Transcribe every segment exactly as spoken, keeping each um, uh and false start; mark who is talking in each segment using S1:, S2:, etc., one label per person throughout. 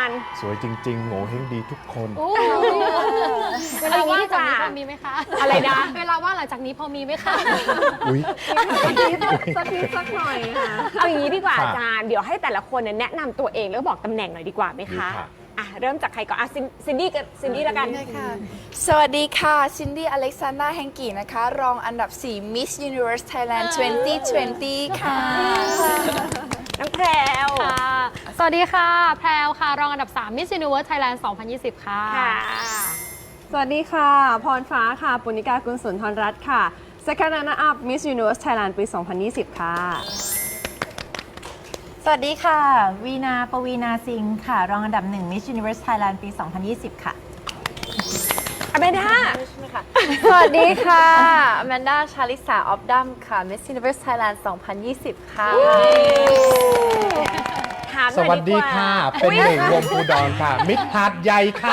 S1: สวยจริงๆโง่เฮงดีทุกคน
S2: เวลาว่างจากนี้พอมีไหมคะ
S3: อะไรนะ
S2: เวลาว่างหลังจากนี้พอมีไหมคะ
S1: อุ้ย
S4: สักนิดสักนิดสักหน่อยค่ะ
S3: เอาอย่างนี้ดีกว่า
S1: ค่ะ
S3: อาจารย์เดี๋ยวให้แต่ละคนเนี่ยแนะนำตัวเองแล้วบอกตำแหน่งหน่อยดีกว่าไหม
S1: ดี
S3: คะ
S1: ค่ะ
S3: อ่ะเริ่มจากใครก่อนอ่ะซินซินดี้กับซินดี้แล้วกัน
S5: สวัสดีค่ะ ซินดี้อเล็กซานดราแฮงกี้นะคะ รองอันดับ สี่ Miss Universe Thailand ยี่สิบยี่สิบ ค่ะ
S3: น้องแพรว
S2: ค่ะ สวัสดีค่ะ แพรวค่ะ รองอันดับ สาม Miss Universe Thailand สองพันยี่สิบ ค่ะ
S3: ค่ะ
S4: สวัสดีค่ะ พรฟ้าค่ะ ปุณณิกากุลสุนทรรัตน์ค่ะ Second Runner Up Miss Universe Thailand ปี สองพันยี่สิบ ค่ะ
S6: สวัสดีค่ะ วีนาปวีนาซิงค์ค่ะ รองอันดับหนึ่ง Miss Universe Thailand ปี สองพันยี่สิบ ค่ะ
S3: อเมด้า
S7: สวัสดีค่ะอแมนดาชาลิสาออฟดัมค่ะ Miss Universe Thailand สองพันยี่สิบ ค่ะ
S3: ถามห
S1: ส
S3: น่อย
S1: วัสดี
S3: กา
S1: ค่ะ เป็นหนึ่งวงภูดรค่ะ มิตรหาดใหญ่ค่ะ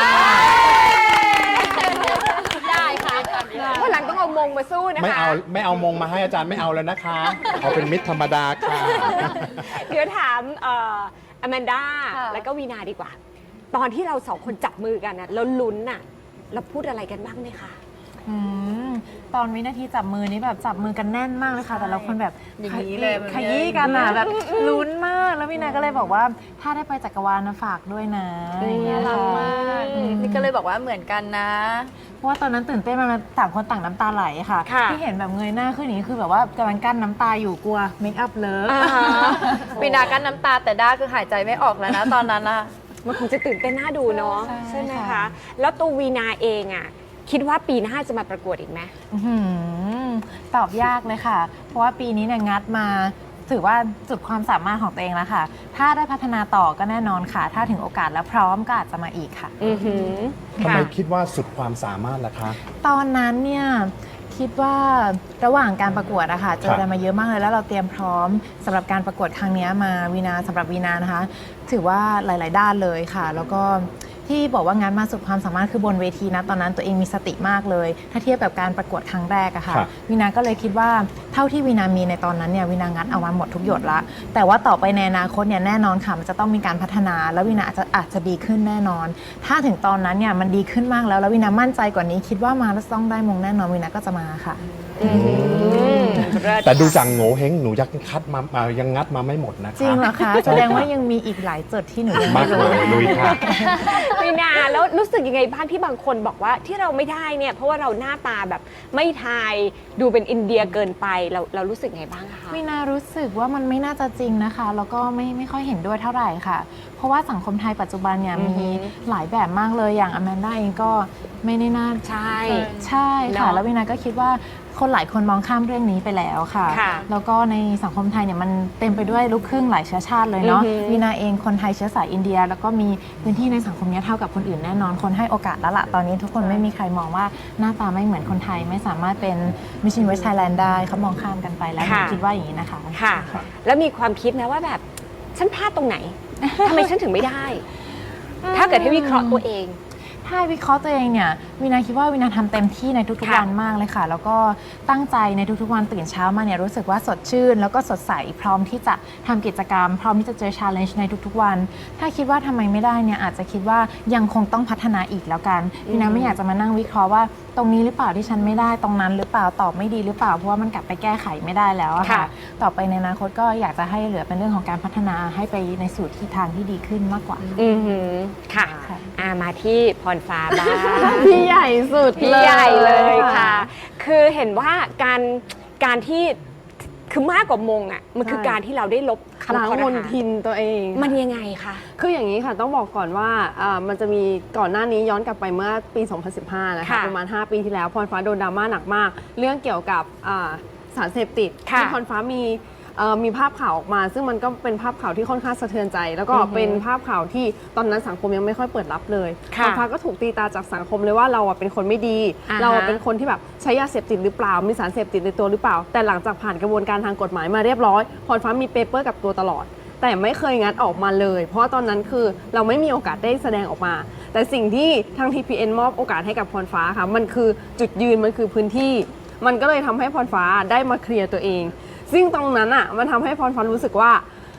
S2: ได้ค่ะ
S3: วันหลังต้องเอามงมาสู้นะคะ
S1: ไม่เอาไม่เอามงมาให้อาจารย์ไม่เอาแล้วนะคะ เอาเป็นมิตรธรรมดาค่ะ
S3: เดี๋ยวถามเอ่ออแมนด้า
S7: ค่ะ
S3: แล้วก็วีนาดีกว่า ตอนที่เราสองคนจับมือกันนะแล้วลุ้นน่ะเราพูดอะไรกันบ้างไหมคะ
S6: อืม ตอนวินาทีจับมือนี้แบบจับมือกันแน่นมากเลยค่ะ แต่ละคนแบบ
S7: อย่างนี้เลยมัน
S6: ขยี้กันอ่ะแบบลุ้นมาก แล้ววินาก็เลยบอกว่าถ้าได้ไปจักรวาลนะฝากด้วยนะอย่างเงี้ยค่ะ
S7: นี่ก็เลยบอกว่าเหมือนกันนะ
S6: เพราะว่าตอนนั้นตื่นเต้นมากต่างคนต่างน้ำตาไหลค่ะ
S3: ค่ะ
S6: ที่เห็นแบบเงยหน้าขึ้นอย่างนี้คือแบบว่ากำลังกั้นน้ำตาอยู่กลัวเมคอัพเลิฟ
S3: อ่าฮะ
S7: ปีนากั้นน้ำตาแต่ด้าคือหายใจไม่ออกแล้วนะ ตอนนั้นนะ
S3: มันคงจะตื่นเต้นน่าดูเนาะ
S6: ใช่
S3: ใช่ไหม
S6: ค่ะ
S3: คะ แล้วตัววีนาเองอ่ะคิดว่าปีหน้าจะมาประกวดอีกไหม
S6: อื้อหือตอบยากเลยค่ะ เพราะว่าปีนี้เนี่ยงัดมาถือว่าจุดความสามารถของตัวเองแล้วค่ะ ถ้าได้พัฒนาต่อก็แน่นอนค่ะ ถ้าถึงโอกาสแล้วพร้อมก็อาจจะมาอีกค่ะ
S3: อือหือ
S1: ทำไม
S3: ค่ะ
S1: คิดว่าสุดความสามารถล่ะคะ
S6: ตอนนั้นเนี่ยคิดว่าระหว่างการประกวดอะค่ะเจออะไรมาเยอะมากเลยแล้วเราเตรียมพร้อมสำหรับการประกวดครั้งนี้มาวีนาสำหรับวีนานะคะ ถือว่าหลาย ๆ ด้านเลยค่ะ แล้วก็ที่บอกว่างานมาสุดความสามารถคือบนเวทีนะตอนนั้นตัวเองมีสติมากเลย ถ้าเทียบกับการประกวดครั้งแรกอะค่ะ
S1: ครับ
S6: วีนาก็เลยคิดว่าเท่าที่วีนามีในตอนนั้นเนี่ยวีนางัดเอามาหมดทุกหยดละ แต่ว่าต่อไปในอนาคตเนี่ยแน่นอนค่ะมันจะต้องมีการพัฒนาแล้ววีนาอาจจะอาจจะดีขึ้นแน่นอน ถ้าถึงตอนนั้นเนี่ยมันดีขึ้นมากแล้วแล้ววีนามั่นใจกว่านี้คิดว่ามาแล้วต้องได้มงแน่นอนวีนาก็จะมาค่ะ
S3: อือหือเลิศ
S1: แต่ดูจากโง่เฮงหนูยังคัดมาอ่ายังงัดมาไม่หมดนะคะ
S6: จริงเหรอคะแสดงว่ายังมีอีกหลายจุดที่หนูยัง
S1: มา
S6: ไม่
S1: ก
S6: รู้
S1: เลยลุยค่ะ
S3: วีนาแล้วรู้สึกยังไงบ้างที่บางคนบอกว่าที่เราไม่ได้เนี่ยเพราะว่าเราหน้าตาแบบไม่ไทยดูเป็นอินเดียเกินไปเราเรารู้สึกไงบ้างคะ
S6: วีนารู้สึกว่ามันไม่น่าจะจริงนะคะ แล้วก็ไม่ไม่ค่อยเห็นด้วยเท่าไหร่ค่ะ เพราะว่าสังคมไทยปัจจุบันเนี่ย
S3: อือฮึ
S6: มีหลายแบบมากเลยอย่างอแมนด้าเองก็ไม่ได้น่า
S3: ใช่
S6: ใช่ค่ะ
S3: เนอะ
S6: แล้ววีนาก็คิดว่าคนหลายคนมองข้ามเรื่องนี้ไปแล้วค่ะ
S3: ค่ะ
S6: แล้วก็ในสังคมไทยเนี่ยมันเต็มไปด้วยลูกครึ่งหลายเชื้อชาติเลยเนาะ
S3: อือฮึ
S6: วีนาเองคนไทยเชื้อสายอินเดีย แล้วก็มีพื้นที่ในสังคมเนี้ยเท่ากับคนอื่นแน่นอนคนให้โอกาสแล้วล่ะตอนนี้ทุกคนไม่มีใครมองว่าหน้าตาไม่เหมือนคนไทยไม่สามารถเป็น Miss Universe Thailand ได้เขามองข้ามกันไปแล้วหนู
S3: ค่ะ
S6: คิดว่าอย่างนี้นะคะ
S3: ค่ะ แล้วมีความคิดนะว่าแบบฉันพลาดตรงไหนทำไมฉันถึงไม่ได้ ถ้าเกิดให้วิเคราะห์ตัวเอง
S6: ถ้าวิเคราะห์ตัวเองเนี่ยวินาคิดว่าวินาทำเต็มที่ในทุก
S3: ค่ะ
S6: ๆวันมากเลยค่ะ แล้วก็ตั้งใจในทุกๆวันตื่นเช้ามาเนี่ยรู้สึกว่าสดชื่น แล้วก็สดใสพร้อมที่จะทำกิจกรรม พร้อมที่จะเจอ challenge ในทุกๆวัน ถ้าคิดว่าทำไมไม่ได้เนี่ยอาจจะคิดว่ายังคงต้องพัฒนาอีกแล้วกันวินาไม่อยากจะมานั่งวิเคราะห์ว่าตรงนี้หรือเปล่าที่ฉันไม่ได้ตรงนั้นหรือเปล่าตอบไม่ดีหรือเปล่าเพราะว่ามันกลับไปแก้ไขไม่ได้แล้วอะค่ะ
S3: ค่ะ
S6: ต่อไปในอนาคตก็อยากจะให้เหลือเป็นเรื่องของการพัฒนาให้ไปในสู่ทิศทางที่ดีขึ้นมากกว่า
S3: อือหือค่ะ
S6: ค่ะ
S3: อ่ามาที่พรฟ้าบ้าง
S4: พี่ใหญ่สุด
S3: พี่ใหญ่เลยค่ะ คือเห็นว่าการการที่คือมากกว่ามงอ่ะมันคือ
S4: ใช่
S3: การที่เราได้ลบคำ
S4: ล้าง
S3: คอร
S4: มน
S3: หา
S4: ทินตัวเอง
S3: มันยังไงคะ
S4: คืออย่างนี้ค่ะต้องบอกก่อนว่าอ่ามันจะมีก่อนหน้านี้ย้อนกลับไปเมื่อปี สองพันสิบห้า นะคะ
S3: ค่ะ
S4: ประมาณ ห้า ปีที่แล้วพรฟ้าโดนดราม่าหนักมาก เรื่องเกี่ยวกับอ่าสารเสพติด
S3: ค่ะ
S4: ที่พรฟ้ามีเอ่อมีภาพข่าวออกมา ซึ่งมันก็เป็นภาพข่าวที่ค่อนข้างสะเทือนใจ แล้วก็
S3: อือฮึ
S4: เป็นภาพข่าวที่ตอนนั้นสังคมยังไม่ค่อยเปิดรับเลยพ
S3: ค่ะ
S4: รฟ้าก็ถูกตีตาจากสังคมเลยว่าเราอะเป็นคนไม่ดี
S3: อ่าฮะ
S4: เราอะเป็นคนที่แบบใช้ยาเสพติดหรือเปล่า มีสารเสพติดในตัวหรือเปล่า แต่หลังจากผ่านกระบวนการทางกฎหมายมาเรียบร้อยพรฟ้ามีเปเปอร์กับตัวตลอด แต่ไม่เคยงัดออกมาเลย เพราะว่าตอนนั้นคือเราไม่มีโอกาสได้แสดงออกมา แต่สิ่งที่ทาง ที พี เอ็น มอบโอกาสให้กับพรฟ้าค่ะมันคือจุดยืนมันคือพื้นที่ มันก็เลยทำให้พรฟ้าได้มาเคลียร์ตัวเอง ซึ่งตรงนั้นอ่ะมันทำให้พรฟ้ารู้สึกว่า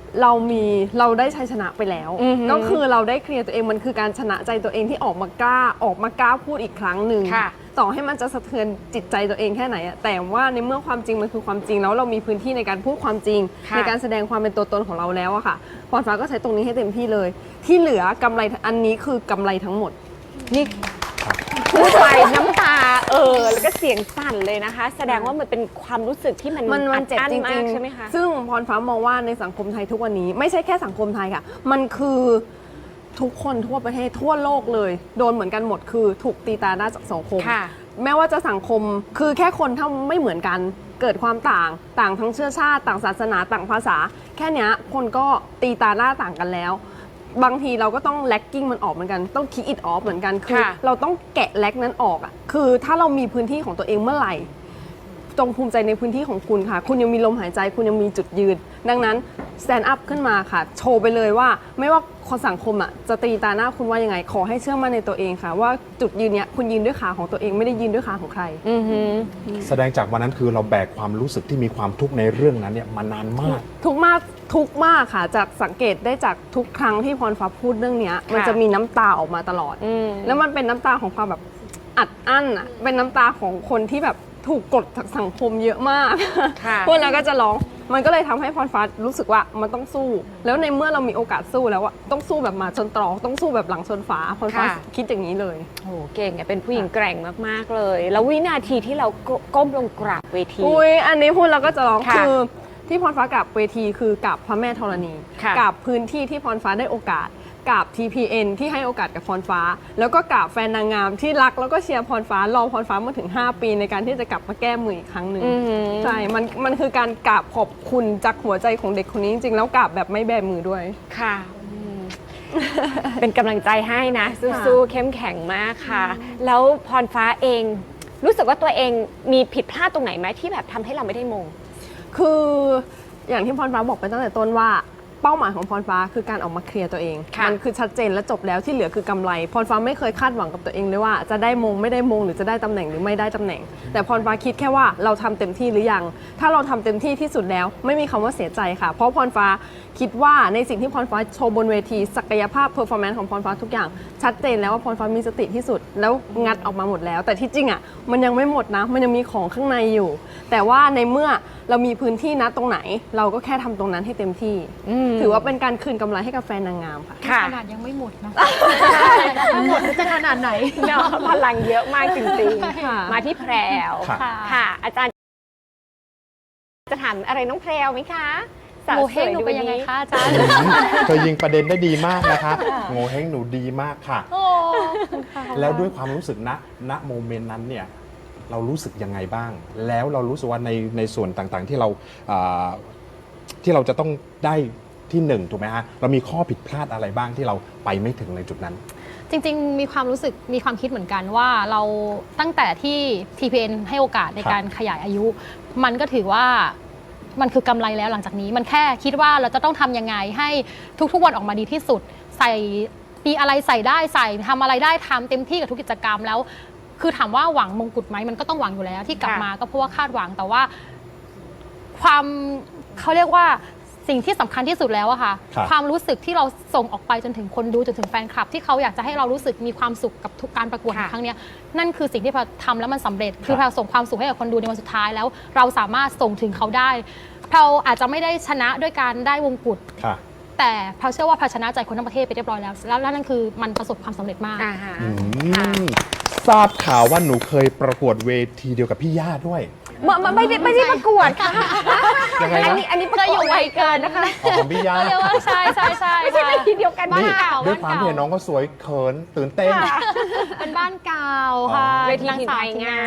S4: เรามีเราได้ชัยชนะไปแล้ว
S3: อือหือ
S4: ก็คือเราได้เคลียร์ตัวเองมันคือการชนะใจตัวเองที่ออกมากล้าออกมากล้าพูดอีกครั้งหนึ่ง
S3: ค่ะ
S4: ต่อให้มันจะสะเทือนจิตใจตัวเองแค่ไหนอะแต่ว่าในเมื่อความจริงมันคือความจริงแล้วเรามีพื้นที่ในการพูดความจริง
S3: ค่ะ
S4: ในการแสดงความเป็นตัวตนของเราแล้วอะค่ะพรฟ้าก็ใช้ตรงนี้ให้เต็มที่เลย ที่เหลือกำไรอันนี้คือกำไรทั้งหมด
S3: นี่พูดไปน้ำตาเออแล้วก็เสียงสั่นเลยนะคะ แสดงว่ามันเป็นความรู้สึกที่มัน
S4: มันมันเจ็บ
S3: อัด
S4: จ
S3: อั้
S4: ริ
S3: มาก
S4: ง
S3: ใช่ไหมคะ
S4: ๆซึ่งพรฟ้ามองว่าในสังคมไทยทุกวันนี้ ไม่ใช่แค่สังคมไทยค่ะ มันคือทุกคนทั่วประเทศทั่วโลกเลย โดนเหมือนกันหมดคือถูกตีตาหน้าจากสังคม
S3: ค่ะ
S4: แม้ว่าจะสังคมคือแค่คนถ้าไม่เหมือนกันเกิดความต่างต่างทั้งเชื้อชาติ ต่างศาสนาต่างภาษา แค่เนี้ยคนก็ตีตาหน้าต่างกันแล้ว บางทีเราก็ต้องแลกกิ้งมันออกเหมือนกันต้องคิดอิดออฟเหมือนกันคือ
S3: ค่ะ
S4: เราต้องแกะแลกนั้นออกอ่ะคือถ้าเรามีพื้นที่ของตัวเองเมื่อไหร่ จงภูมิใจในพื้นที่ของคุณค่ะ คุณยังมีลมหายใจ คุณยังมีจุดยืน ดังนั้น stand up ขึ้นมาค่ะ โชว์ไปเลยว่า ไม่ว่าคนสังคมอ่ะจะตีตาหน้าคุณว่ายังไง ขอให้เชื่อมั่นในตัวเองค่ะ ว่าจุดยืนเนี้ยคุณยืนด้วยขาของตัวเองไม่ได้ยืนด้วยขาของใคร
S3: อือหือ
S1: แสดงจากวันนั้นคือเราแบกความรู้สึกที่มีความทุกข์ในเรื่องนั้นเนี่ยมานานมาก
S4: ทุกข์มากทุกข์มากค่ะ จากสังเกตได้จากทุกครั้งที่พรฟ้าพูดเรื่องเนี้ยมันจะมีน้ำตาออกมาตลอด
S3: อืม
S4: แล้วมันเป็นน้ำตาของความแบบอัดอั้นอ่ะเป็นน้ำตาของคนที่แบบถูกกดจากสังคมเยอะมาก
S3: ค่ะ
S4: พวกนั้นก็จะร้อง มันก็เลยทำให้พรฟ้ารู้สึกว่ามันต้องสู้ แล้วในเมื่อเรามีโอกาสสู้แล้วอะต้องสู้แบบหมาชนตรอกต้องสู้แบบหลังชนฝาพรฟ้า
S3: ค่ะ
S4: คิดอย่างนี้เลย
S3: โอ้โหเก่งอะเป็นผู้หญิงแกร่งมากๆเลย แล้ววินาทีที่เราก้มลงกราบเวที
S4: อุ้ยอันนี้พูดแล้วก็จะร้อง
S3: ค่ะ
S4: คือที่พรฟ้ากราบเวทีคือกราบพระแม่ธรณี
S3: ค่ะ
S4: กราบพื้นที่ที่พรฟ้าได้โอกาสกราบ ที พี เอ็น ที่ให้โอกาสกับพรฟ้า แล้วก็กราบแฟนนางงามที่รักแล้วก็เชียร์พรฟ้ารอพรฟ้ามาถึงห้าปีในการที่จะกลับมาแก้มืออีกครั้งหนึ่ง
S3: อือหือ
S4: ใช่มันมันคือการกราบขอบคุณจากหัวใจของเด็กคนนี้จริงๆแล้วกราบแบบไม่แบมือด้วย
S3: ค่ะอืมเป็นกำลังใจให้นะ สู้ๆเข้มแข็งมากค่ะ แล้วพรฟ้าเองรู้สึกว่าตัวเองมีผิดพลาดตรงไหนไหมที่แบบทำให้เราไม่ได้มง
S4: คืออย่างที่พรฟ้าบอกไปตั้งแต่ต้นว่าเป้าหมายของพรฟ้าคือการออกมาเคลียร์ตัวเอง
S3: ค่ะ
S4: มันคือชัดเจนและจบแล้วที่เหลือคือกำไรพรฟ้าไม่เคยคาดหวังกับตัวเองเลยว่าจะได้มงไม่ได้มงหรือจะได้ตำแหน่งหรือไม่ได้ตำแหน่ง แต่พรฟ้าคิดแค่ว่าเราทำเต็มที่หรือยังถ้าเราทำเต็มที่ที่สุดแล้วไม่มีคำว่าเสียใจค่ะ เพราะพรฟ้าคิดว่าในสิ่งที่พรฟ้าโชว์บนเวทีศักยภาพเพอร์ฟอร์แมนซ์ของพรฟ้าทุกอย่างชัดเจนแล้วว่าพรฟ้ามีสติที่สุดแล้วงัดออกมาหมดแล้ว แต่ที่จริงอ่ะมันยังไม่หมดนะมันยังมีของข้างในอยู่ แต่ว่าในเมื่อเรามีพื้นที่นะตรงไหน เราก็แค่ทำตรงนั้นให้เต็มที่ ถือว่าเป็นการคืนกำไรให้กับแฟนนางงามค่ะ
S3: ค่ะ
S2: ขนาดยังไม่หมดนะถ้าหมดจะขนาดไหน
S3: เนาะพลังเยอะมากจริง
S4: ค่ะ
S3: ๆ มาที่แพรว
S1: ค่ะ
S3: ค่ะ อาจารย์ จะถามอะไรน้องแพรวไหมคะสาว
S2: โม
S3: ส
S2: เฮ
S3: ว
S2: ง
S3: ย
S2: หนู
S3: ดู
S2: เป็นยังไง
S3: นี้
S2: คะอาจารย์
S1: เธอยิงประเด็นได้ดีมากนะคะโงเฮงหนูดีมากค่ะ
S2: โอ้
S1: แล้วด้วยความรู้สึกณณโมเมนต์นั้นเนี่ยเรารู้สึกยังไงบ้าง แล้วเรารู้สึกว่าในในส่วนต่างๆที่เราอ่าที่เราจะต้องได้ที่หนึ่งถูกไหมฮะเรามีข้อผิดพลาดอะไรบ้างที่เราไปไม่ถึงในจุดนั้น
S2: จริงๆ มีความรู้สึกมีความคิดเหมือนกันว่าเราตั้งแต่ที่ ที พี เอ็น ให้โอกาสในการขยายอายุ มันก็ถือว่ามันคือกำไรแล้วหลังจากนี้ มันแค่คิดว่าเราจะต้องทำยังไงให้ทุกๆวันออกมาดีที่สุด ใส่ปีอะไรใส่ได้ใส่ทำอะไรได้ทำเต็มที่กับทุกกิจกรรมแล้ว คือถามว่าหวังมงกุฎไหมมันก็ต้องหวังอยู่แล้วที่กลับมาก็เพราะว่าคาดหวังแต่ว่า ความเขาเรียกว่าสิ่งที่สำคัญที่สุดแล้วอะค่ะ
S1: ครับ
S2: ความรู้สึกที่เราส่งออกไปจนถึงคนดูจนถึงแฟนคลับ ที่เขาอยากจะให้เรารู้สึกมีความสุขกับทุกการประกวดในครั้งเนี้ยนั่นคือสิ่งที่พอทำแล้วมันสำเร็จ คือพอส่งความสุขให้กับคนดูในวันสุดท้ายแล้ว เราสามารถส่งถึงเขาได้เราอาจจะไม่ได้ชนะด้วยการได้วงกุฎ
S1: ค่ะ
S2: แต่เราเชื่อว่าเราชนะใจคนทั้งประเทศไปเรียบร้อยแล้วแล้วนั่นคือมันประสบความสำเร็จมาก
S3: อ่าฮะ
S1: อืมทราบข่าวว่าหนูเคยประกวดเวทีเดียวกับพี่ย่าด้วย
S3: ไม่ไม่ไม่ได้ไม่ได้ประกวดค่ะ
S1: ยังไง
S3: อัน
S1: นะ
S3: นี้อันนี้ประกวดไวเกินนะคะ
S1: อ๋อของพี่ย่า
S2: เรียกว่าใช่ใช่ใช่
S3: ไม่ใช่เวทีเดียวกัน
S1: นี่
S3: ค่ะ
S1: ด้วยความที่เห็นน้องก็สวยเขินตื่นเต้น
S2: เป็นบ้านเก่าค่ะ
S1: อ๋อ
S3: เวที
S2: นาง
S3: ถิ่น
S2: สา
S3: ไท
S2: วย
S3: งาม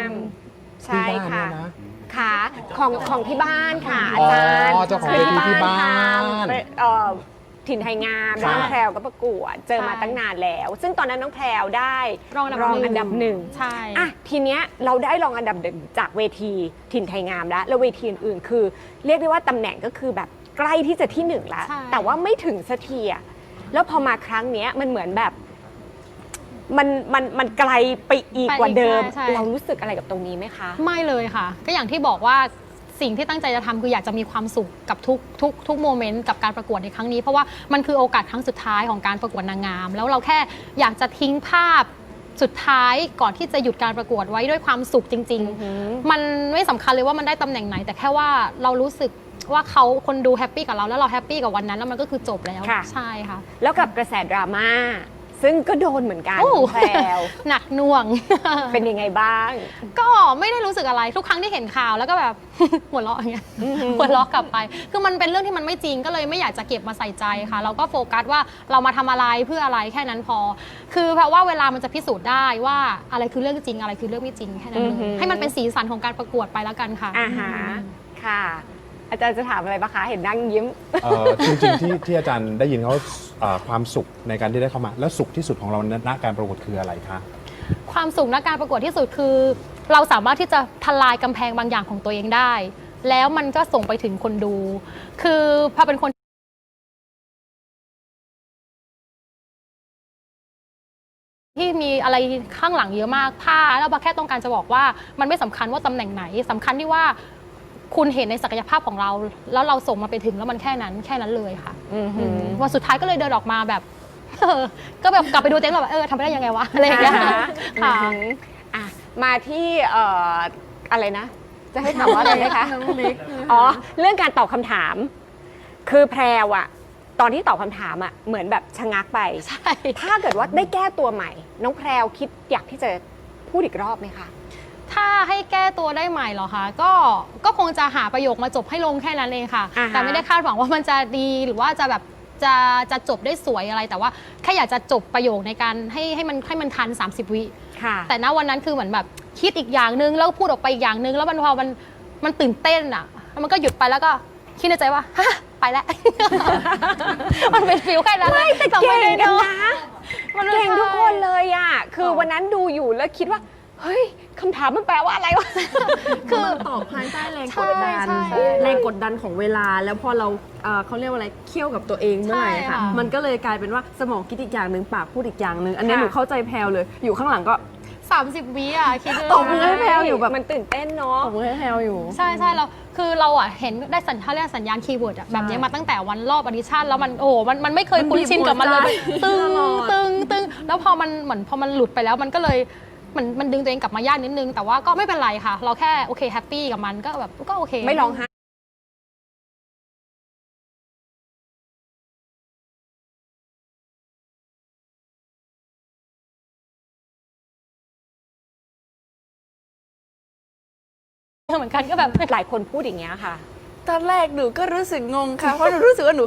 S3: ใช่
S1: พี่ย่า
S3: ค่ะ
S1: เนี่ยนะ
S3: ค่ะของของที่บ้านค่ะ อา
S1: อ๋อ
S3: จารย์
S1: เจ้าของเวทีที่บ้าน
S3: ทำเอ่อถิ่นไทยงาม
S1: ค่ะ
S3: น้องแพรวก็ประกวดเจอมาตั้งนานแล้ว ซึ่งตอนนั้นน้องแพรวได้
S2: รองอันดับ
S3: รอง
S2: หนึ่ง
S3: อันดับหนึ่ง
S2: ใช่
S3: อ่ะทีเนี้ยเราได้รองอันดับหนึ่งจากเวทีถิ่นไทยงามแล้วแล้วเวทีอื่นๆคือ เรียกได้ว่าตำแหน่งก็คือแบบใกล้ที่จะที่หนึ่งแล้ว
S2: ใช่
S3: แต่ว่าไม่ถึงสักทีอะแล้วพอมาครั้งเนี้ยมันเหมือนแบบ มันมันมันไกลไปอีกกว่าเดิม
S2: ใช่ใช่
S3: เรารู้สึกอะไรกับตรงนี้ไหมคะ
S2: ไม่เลยค่ะ ก็อย่างที่บอกว่าสิ่งที่ตั้งใจจะทำคืออยากจะมีความสุขกับทุกทุกทุกโมเมนต์กับการประกวดในครั้งนี้เพราะว่ามันคือโอกาสครั้งสุดท้ายของการประกวดนางงามแล้วเราแค่อยากจะทิ้งภาพสุดท้ายก่อนที่จะหยุดการประกวดไว้ด้วยความสุขจริง ๆ มันไม่สำคัญเลยว่ามันได้ตำแหน่งไหน แต่แค่ว่าเรารู้สึกว่าเขาคนดูแฮปปี้กับเราแล้วเราแฮปปี้กับวันนั้นแล้วมันก็คือจบแล้ว
S3: ค่ะ
S2: ใช่ค่ะ
S3: แล้วกับกระแสดราม่าซึ่งก็โดนเหมือนกัน
S2: โอ้
S3: แพรว
S2: หนักหน่วง
S3: เป็นยังไงบ้าง
S2: ก็ไม่ได้รู้สึกอะไรทุกครั้งที่เห็นข่าวแล้วก็แบบ หัวเราะอย่างเงี้ยหัวเราะกลับไป คือมันเป็นเรื่องที่มันไม่จริงก็เลยไม่อยากจะเก็บมาใส่ใจค่ะ เราก็โฟกัสว่าเรามาทำอะไรเพื่ออะไรแค่นั้นพอ คือเพราะว่าเวลามันจะพิสูจน์ได้ว่าอะไรคือเรื่องจริงอะไรคือเรื่องไม่จริงแค่นั้นเล
S3: อือหื
S2: ย
S3: อ
S2: ให้มันเป็นสีสันของการประกวดไปแล้วกันค่ะ
S3: อาหารค่ะ อาจารย์จะถามอะไรปะคะ เห็นนั่งยิ้ม
S1: เอ่อจริงๆที่ที่อาจารย์ได้ยินเขาเอ่อความสุขในการที่ได้เข้ามา แล้วสุขที่สุดของเราณการประกวดคืออะไรคะ
S2: ความสุขในการประกวดที่สุดคือ เราสามารถที่จะทลายกำแพงบางอย่างของตัวเองได้ แล้วมันก็ส่งไปถึงคนดู คือพอเป็นคนที่มีอะไรข้างหลังเยอะมากผ้าแล้วบาแค่ต้องการจะบอกว่ามันไม่สำคัญว่าตำแหน่งไหนสำคัญที่ว่าคุณเห็นในศักยภาพของเรา แล้วเราส่งมาไปถึงแล้วมันแค่นั้นแค่นั้นเลยค่ะ
S3: อือหือ
S2: วันสุดท้ายก็เลยเดินออกมาแบบ เออก็แบบกลับไปดูเต็นท์แบบเออทำไปได้ยังไงวะอะไรอย่างเงี้ย
S3: อ่าฮะ
S2: ค่ะ
S3: อือหืออ่ะ มาที่เอ่ออะไรนะ จะให้ถามว่าอะไรไหมคะ
S4: น้องเล็ก
S3: อ๋อ เรื่องการตอบคำถาม คือแพรวอะตอนที่ตอบคำถามอะเหมือนแบบชะงักไป
S2: ใช่
S3: ถ้าเกิดว่าได้แก้ตัวใหม่ น้องแพรวคิดอยากที่จะพูดอีกรอบไหมคะ
S2: ถ้าให้แก้ตัวได้ใหม่เหรอคะก็ก็คงจะหาประโยคมาจบให้ลงแค่นั้นเองค่ะ
S3: อ่าฮะ
S2: แต่ไม่ได้คาดหวังว่ามันจะดีหรือว่าจะแบบจะจะจบได้สวยอะไร แต่ว่าแค่อยากจะจบประโยคในการให้ให้มันให้มันทัน สามสิบ วิ
S3: ค่ะ
S2: แต่ณวันนั้นคือเหมือนแบบคิดอีกอย่างนึงแล้วก็พูดออกไปอีกอย่างนึงแล้วมันพอมันมันตื่นเต้นอ่ะแล้วมันก็หยุดไปแล้วก็คิดในใจว่าฮะไปแล้ว มันเป็นฟิลแค่นั้น
S3: ไม่แต่
S2: จำ
S3: เก่
S2: ไม่
S3: ง
S2: ได้
S3: กัน
S2: เนอะ
S3: นะ
S2: มันไม่
S3: เก่งทุกคน
S2: ใช่
S3: เลยอะคือวันนั้นดูอยู่แล้วคิดว่า เฮ้ยคำถามมันแปลว่าอะไรวะ
S4: คือตอบภายใต้แรงกดดัน
S2: ใช่ใช่
S4: แรงกดดันของเวลา แล้วพอเราเอ่อเขาเรียกว่าอะไรเคี่ยวกับตัวเองเมื่อไหร่
S2: ใช่
S4: ค่ะ
S2: ค่ะ
S4: มันก็เลยกลายเป็นว่าสมองคิดอีกอย่างหนึ่งปากพูดอีกอย่างหนึ่งอันนี้
S3: ค่ะ
S4: หนูเข้าใจแพลวเลย อยู่ข้างหลังก็
S2: สามสิบ วิอ่ะคิดดู
S4: ตบมือให้แพรวอยู่แบบ
S3: มันตื่นเต้นเนาะ
S4: ตบมือให้แพลวอยู่
S2: ใช่ใช่เราคือเราอ่ะเห็นได้สัญชาติเรียกสัญญาณคีย์เวิร์ดอะแบบนี้มาตั้งแต่วันรอบออดิชั่นแล้วมันโอ้โหมันมันไม่เคยคุ้นชินกับมันเลย
S4: มันบีบหัวใจ
S2: ตึง
S4: ตลอด
S2: ตึงตึงแล้วพอมันเหมือนพอมันหลุดไปแล้วมันก็เลยเหมือนมันดึงตัวเองกลับมายากนิดนึง แต่ว่าก็ไม่เป็นไรค่ะ เราแค่โอเคแฮปปี้กับมันก็แบบก็โอเค
S3: ไม่ร้องไห้
S2: เหมือนกันก็แบบ
S3: หลายคนพูดอย่างเงี้ยค่ะ
S5: ตอนแรกหนูก็รู้สึกงงค่ะ เพราะหนูรู้สึกว่าหนู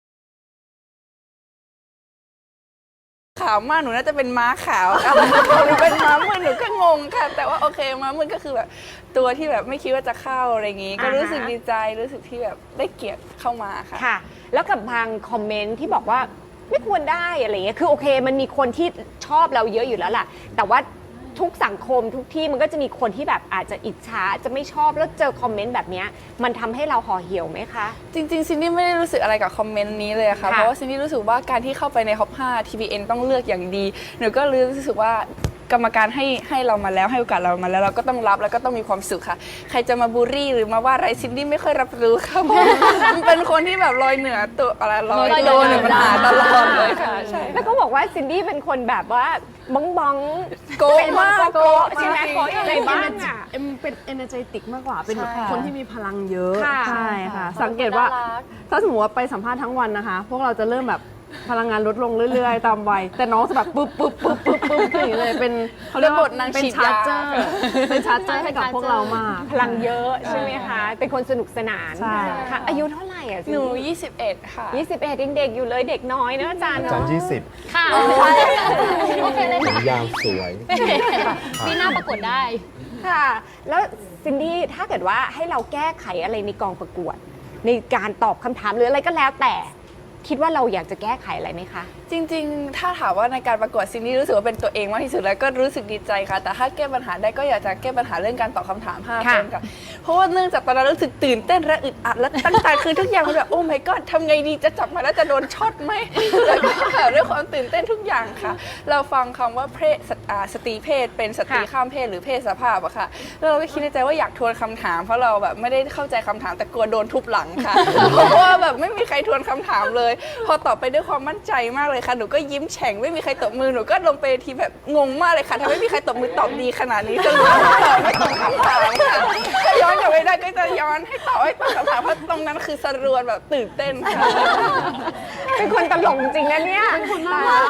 S5: ขาวมากหนูน่าจะเป็นม้าขาวค่ะหนูเป็นม้ามืดหนูก็งงค่ะ แต่ว่าโอเคม้ามืดก็คือแบบตัวที่แบบไม่คิดว่าจะเข้าอะไรอย่างงี้ ก็รู้สึก
S3: อ่าฮะ
S5: ดีใจรู้สึกที่แบบได้เกียรติเข้ามาค่ะ
S3: ค่ะ แล้วกับบางคอมเมนต์ที่บอกว่าไม่ควรได้อะไรเงี้ย คือโอเค มันมีคนที่ชอบเราเยอะอยู่แล้วล่ะ แต่ว่าทุกสังคมทุกที่มันก็จะมีคนที่แบบอาจจะอิจฉาจะไม่ชอบแล้วเจอคอมเมนต์แบบเนี้ยมันทำให้เราห่อเหี่ยวไหมคะ
S5: จริงๆซินดี้ไม่ได้รู้สึกอะไรกับคอมเมนต์นี้เลยค่ะ
S3: ค่ะ
S5: เพราะว่าซินดี้รู้สึกว่าการที่เข้าไปในท็อปห้า ที พี เอ็น ต้องเลือกอย่างดี หนูก็รู้สึกว่ากรรมการให้ให้เรามาแล้วให้โอกาสเรามาแล้วเราก็ต้องรับแล้วก็ต้องมีความสุขค่ะ ใครจะมาบูลลี่หรือมาว่าอะไรซินดี้ไม่ค่อยรับรู้ค่ะเพราะมันเป็นคนที่แบบลอยเหนือตัวอะไรลอยตัวเหนือปัญหาตลอดเลยค่ะใช่
S3: แล้วก็บอกว่าซินดี้เป็นคนแบบว่าบ้องบ้อง
S5: โก๊ะ
S3: เป็นคน
S5: มาก
S3: โก๊ะใช่ไหม
S5: โก๊ะ
S3: โก๊ะอะไรบ้างอ่ะ
S4: เอ็มเป็น energetic มากกว่า เป็นแบบ
S5: ใช่
S4: คนที่มีพลังเยอะ
S3: ค่ะ
S4: ใช่ค่ะ สังเกตว่า ถ้าสมมติว่าไปสัมภาษณ์ทั้งวันนะคะ พวกเราจะเริ่มแบบพลังงานลดลงเรื่อยๆ ตามวัย แต่น้องจะแบบปึ๊บปึ๊บปึ๊บปึ๊บปึ๊บอย่างนี้เลย เป็นเขาเรียกว่า
S5: เป็นบทนาง
S4: เป็น
S5: ฉีด
S4: ชาร์
S5: ยา
S4: เจอร์ เป็นชาร์เจอร์ให้กับพวกเรามาก
S3: พลังเยอะใช่ไหมคะ เป็นคนสนุกสนาน
S4: ใช่
S3: ค่ะ อายุเท่าไหร่อ่ะ
S5: หนู ยี่สิบเอ็ด ค่ะ
S3: ยี่สิบเอ็ดยังเด็กอยู่เลยเด็กน้อยเนอะอาจารย์
S1: อาจาร
S3: เนาะ
S1: ย์ยี่สิบ
S2: ค่ะโอเคเลย
S1: ผม
S2: ค่ะ
S1: ยาวสวย
S2: ปีหน้าประกวดได้
S3: ค่ะ แล้วซินดี้ถ้าเกิดว่าให้เราแก้ไขอะไรในกองประกวด ในการตอบคำถามหรืออะไรก็แล้วแต่คิดว่าเราอยากจะแก้ไขอะไรไหมคะ
S5: จริงๆ ถ้าถามว่าในการประกวดซินดี้รู้สึกว่าเป็นตัวเองมากที่สุดแล้วก็รู้สึกดีใจค่ะ แต่ถ้าแก้ปัญหาได้ก็อยากจะแก้ปัญหาเรื่องการตอบคำถามห้า
S3: ค่ะ
S5: คนค่ะเพราะว่าเนื่องจากตอนนั้นรู้สึกตื่นเต้นและอึดอัดและตั้งใจคือทุกอย่างมันแบบโอ้ my god ทำไงดีจะจับมาแล้วจะโดนช็อตไหมแล้วก็แบบด้วยความตื่นเต้นทุกอย่างค่ะ เราฟังคำว่าเพศสตอ่าสตรีเพศเป็นสตรี
S3: ค่ะ
S5: ข้ามเพศหรือเพศสภาพอะค่ะแล้วเราก็คิดในใจว่าอยากทวนคำถามเพราะเราแบบไม่ได้เข้าใจคำถามแต่กลัวโดนทุบหลังค่ะ เพราะว่าแบบไม่มีใครทวนคำถามเลย พอตอบไปด้วยความมั่นใจมากเลยค่ะหนูก็ยิ้มแฉ่งไม่มีใครตบมือหนูก็ลงไปทีแบบงงมากเลยค่ะถ้าไม่มีใครตบมือตอบดีขนาดนี้จะรู้ว่าตอบไม่ตอบคำถามค่ะถ้าย้อนกลับไปได้ก็จะย้อนให้ตอบให้ตอบคำถามเพราะตรงนั้นคือสรวนแบบตื่นเต้นค่ะ
S3: เป็นคนตลกจริงนะเนี่ยเป็นคนน่ารัก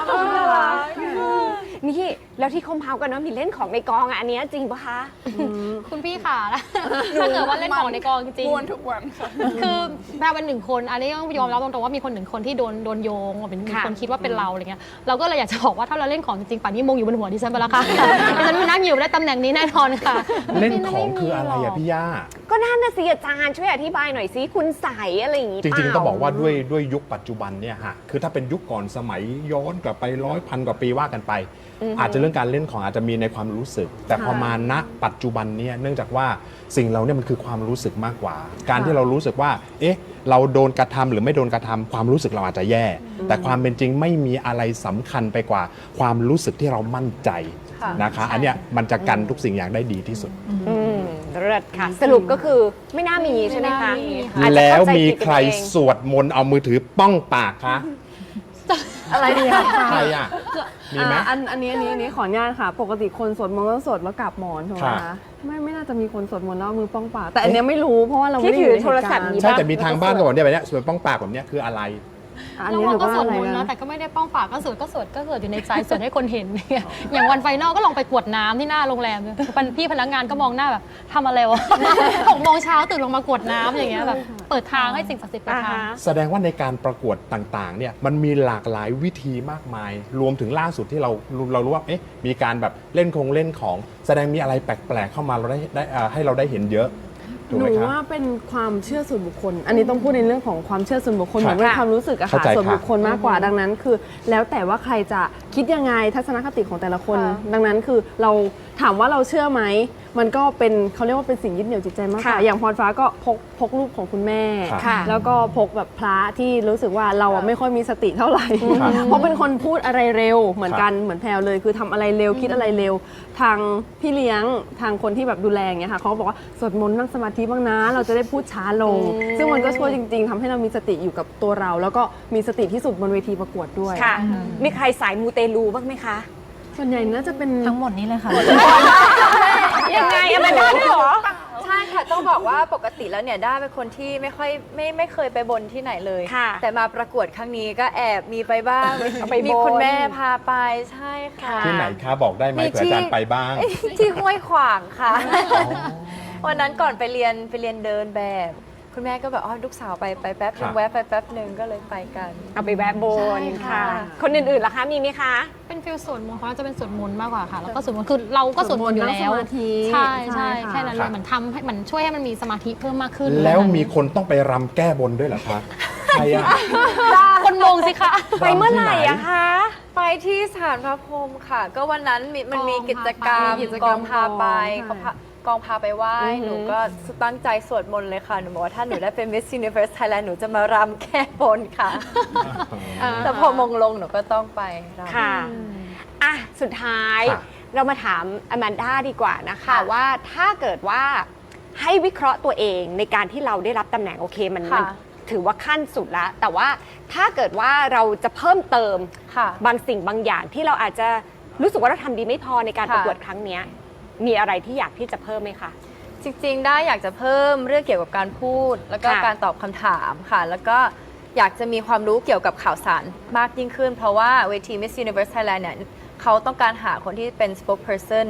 S3: นี่แล้วที่เขาเมาส์กันเนาะมีเล่นของในกองอะอันเนี้ยจริงปะคะ
S2: คุณพี่ค่ะถ้าเกิดว่าเล่นของในกองจริง
S5: ม้วนทุกวันค่ะ
S2: ๆคือแพรเป็นหนึ่งคน อันนี้ต้องยอมรับตรงๆว่ามีคนหนึ่งคนที่โดนโดนโยงว่าเป็นมี
S3: ค่ะ
S2: คนคิดว่าเป็นเราอะไรเงี้ยเราก็เลยอยากจะบอกว่าถ้าเราเล่นของจริงๆป่านนี้มงอยู่บนหัวดิฉันไปแล้วค่ะดิฉันไม่นั่งอยู่ได้ตำแหน่งนี้แน่นอนค่ะ
S1: เล่นของคืออะไรอะพี่ย่า
S3: ก็นั่นน่ะสิอาจารย์ช่วยอธิบายหน่อยสิคุณใสอะไรอย่างงี้
S1: จริงๆ
S3: เปล่
S1: ต้องบอกว่าด้วยด้วยยุคปัจจุบันเนี่ยฮะคือถ้าเป็นยุคก่อนสมัยย้อนกลับไปร้อยพันกว่าปีว่ากันไป อาจจะเรื่องการเล่นของอาจจะมีในความรู้สึก แต่พอมาณปัจจุบันเนี่ยเนื่องจากว่าสิ่งเราเนี่ยมันคือความรู้สึกมากกว่า การที่เรารู้สึกว่าเอ๊ะเราโดนกระทำหรือไม่โดนกระทำความรู้สึกเราอาจจะแย่ แต่ความเป็นจริงไม่มีอะไรสำคัญไปกว่า ความรู้สึกที่เรามั่นใจ
S5: ค่ะ
S1: นะคะ อันเนี้ยมันจะกันทุกสิ่งอย่างได้ดีที่สุด
S3: อืมเลิศค่ะ สรุปก็คือไม่น่ามีใช่ไหมคะ
S2: ไม่น่ามีค่ะ
S3: อาจจะ
S1: แล้ว
S3: เข้าใจ
S1: มี
S3: ผิด
S1: ใคร
S3: กันเอง
S1: สวดมนต์เอามือถือป้องปากคะ
S4: อะไรดีคะ
S1: ใครอ่ะมีไหม
S4: อ่าอันอันนี้อันนี้อันนี้ขออนุญาตค่ะ ปกติคนสวดมนต์ต้องสวดแล้วกราบหมอนถูกไหม
S1: ครั
S4: คะ
S1: บ
S4: ไม่ไม่น่าจะมีคนสวดมนต์แล้วเอามือป้องปากแต่อันเนี้ยไม่รู้เพราะว่าเราไม่
S3: ที่
S4: ได้
S3: ถื
S4: อยู่
S3: อ
S4: ใน
S3: โทรศัพท์
S4: เหตุ
S3: นี้
S1: ใช่
S4: การณ์
S1: แต่มีทางบ้านก็บอกเนี่ยแบบเนี้ยสวดป้องปากแบบเนี้ยคืออะไร
S4: อัน
S2: แล้ว
S4: นี้ห
S2: เรา
S4: นู
S2: ก็
S4: ก็
S2: สวด
S4: อะไร
S2: มนต์
S4: นะ
S2: นะแต่ก็ไม่ได้ป้องปากก็สวดก็สวดก็สวดอยู่ในใจสวดให้คนเห็นเนี่ยอย่างวันไฟนอลก็ลองไปกวดน้ำที่หน้าโรงแรมเนี่ยพี่พนักงานก็มองหน้าแบบทำอะไรวะ หกโมงเช้าตื่นลงมากวดน้ำอย่างเงี้ยแบบเปิดทางให้สิ่งศักดิ์สิทธิ์เปิดทาง
S1: แสดงว่าในการประกวดต่างๆ เนี่ยมันมีหลากหลายวิธีมากมาย รวมถึงล่าสุดที่เราเรารู้ว่าเอ๊ะมีการแบบเล่นคงเล่นของ แสดงมีอะไรแปลกๆเข้ามาเราได้ได้เอ่อให้เราได้เห็นเยอะถูก
S4: ห
S1: ไหม
S4: นู
S1: ครับ
S4: ว่าเป็นความเชื่อส่วนบุคคล อันนี้ต้องพูดในเรื่องของความเชื่อส่วนบุคคล
S1: ค
S4: เห
S1: รับ
S4: มือนเป็นความรู้สึกอะ
S1: เข้า
S4: ค่ะ
S1: ใจ
S4: ส่วน
S1: ครับ
S4: บุคคลมากกว่าดังนั้นคือ แล้วแต่ว่าใครจะคิดยังไงทัศนคติของแต่ละคน ดังนั้นคือเราถามว่าเราเชื่อไหมมันก็เป็นเขาเรียกว่าเป็นสิ่งยึดเหนี่ยวจิตใจมากกว่า
S3: ค่ะ
S4: อย่างพรฟ้าก็พกพกรูปของคุณแม่
S1: ครับ
S3: ค่ะ
S4: แล้วก็พกแบบพระที่รู้สึกว่าเราอะไม่ค่อยมีสติเท่าไหร่
S1: ครับ
S4: เพราะเป็นคนพูดอะไรเร็วเหมือน
S1: ครับ
S4: กันเหมือนแพลวเลย คือทำอะไรเร็วคิดอะไรเร็ว ทางพี่เลี้ยงทางคนที่แบบดูแลอย่างเงี้ยค่ะเขาก็บอกว่าสวดมนต์นั่งสมาธิบ้างนะ เราจะได้พูดช้าลง ซึ่งมันก็ช่วยจริง ๆทำให้เรามีสติอยู่กับตัวเรา แล้วก็มีสติที่สุดบนเวทีประกวดด้วย
S3: ค่ะ มีใครสายมูเตลูบ้างไหมคะ
S4: ส่วนใหญ่น่าจะเป็น
S6: ทั้งหมดนี้เลยค่ะ
S3: ยังไงอะมันได้ด้วยเหรอ
S7: ใช่ค่ะ ต้องบอกว่าปกติแล้วเนี่ยด้าเป็นคนที่ไม่ค่อยไม่ไม่เคยไปบนที่ไหนเลย
S3: ค่ะ
S7: แต่มาประกวดครั้งนี้ก็แอบมีไปบ้าง
S3: เอาไป
S7: มี
S3: บน
S7: คุณแม่พาไปใช่ค่ะ
S1: ที่ไหนคะบอกได้ไหม
S7: มี
S1: เผื่ออาจารย์
S7: ที่
S1: ไปบ้าง
S7: ที่ห้วยขวางค่ะ วันนั้นก่อนไปเรียนไปเรียนเดินแบบ คุณแม่ก็แบบอ๋อลูกสาวไปไปแป๊บนึ
S1: ครั
S7: ง
S1: บ
S7: แวะไปแป๊บนึงก็เลยไปกัน
S3: เอาไปแวะบน
S7: ใช่
S3: ค่ะ
S7: ค่ะ
S3: คนอื่นๆล่ะคะ มีไหมคะ
S2: เป็นฟิลสวดมนต์เขาจะเป็นสวดมนต์มากกว่าค่ะ แล้วก็สวดมนต์คือเราก็สวดมนต์อยู่แล้ว
S4: สวดมนต์นั่งสมาธิ
S2: ใช่ใช่
S4: ใช่ค่ะ
S2: แค่นั้นเลยเหมือนทำให้มันช่วยให้มันมีสมาธิเพิ่มมากขึ้น
S1: แล้วมีคนต้องไปรำแก้บนด้วยเหรอคะใครอ่ะ
S2: คนมงสิคะ
S3: ไปเมื่อไหร่อะคะ
S7: ไปที่สถานพระพรหมค่ะ ก็วันนั้นมีมันมีกิจกรรม
S4: มีกิจกรรม
S7: กองพาไป
S4: ก่อน
S7: เขาพากองพาไปไหว้
S3: อือหือ
S7: หนูก็ตั้งใจสวดมนต์เลยค่ะ หนูบอกว่าถ้าหนูได้เป็น Miss Universe Thailand หนูจะมารำแก้บนค่ะ แต่พอมงลงหนูก็ต้องไปรำ
S3: ค่ะ อ่ะ สุดท้าย
S1: ค่ะ
S3: เรามาถามอแมนด้าดีกว่านะคะ
S7: ค่ะ
S3: ว่าถ้าเกิดว่าให้วิเคราะห์ตัวเองในการที่เราได้รับตำแหน่งโอเคมันมัน
S7: ค่ะ
S3: ถือว่าขั้นสุดแล้ว แต่ว่าถ้าเกิดว่าเราจะเพิ่มเติม
S7: ค่ะ
S3: บางสิ่งบางอย่างที่เราอาจจะรู้สึกว่าเราทำดีไม่พอในการ
S7: ค่ะ
S3: ประกวดครั้งเนี้ยมีอะไรที่อยากที่จะเพิ่มไหมคะ
S7: จริงๆ ได้อยากจะเพิ่มเรื่องเกี่ยวกับการพูด แล้วก็
S3: ค่ะ
S7: การตอบคำถามค่ะ แล้วก็อยากจะมีความรู้เกี่ยวกับข่าวสารมากยิ่งขึ้น เพราะว่าเวที Miss Universe Thailand เนี่ยเขาต้องการหาคนที่เป็น spokesperson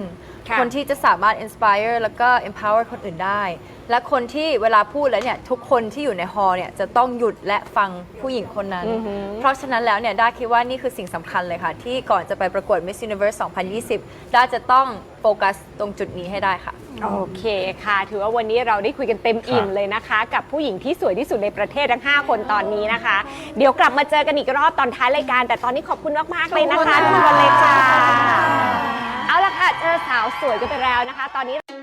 S3: ค่ะ
S7: คนที่จะสามารถ inspire แล้วก็ empower คนอื่นได้ และคนที่เวลาพูดแล้วเนี่ยทุกคนที่อยู่ในฮอลล์เนี่ยจะต้องหยุดและฟังผู้หญิงคนนั้น เพราะฉะนั้นแล้วเนี่ยด้าคิดว่านี่คือสิ่งสำคัญเลยค่ะ ที่ก่อนจะไปประกวด Miss Universe สองพันยี่สิบ ด้าจะต้องโฟกัสตรงจุดนี้ให้ได้ค่ะ
S3: โอเคค่ะ ถือว่าวันนี้เราได้คุยกันเต็มอิ่ม
S1: ครับ
S3: เลยนะคะ กับผู้หญิงที่สวยที่สุดในประเทศทั้ง ห้า คนตอนนี้นะคะ เดี๋ยวกลับมาเจอกันอีกรอบตอนท้ายรายการ แต่ตอนนี้ขอบคุณมาก ๆ เลยนะคะทุกคนเลยค่ะ เอาละค่ะ เจอสาวสวยกันไปแล้วนะคะ ตอนนี้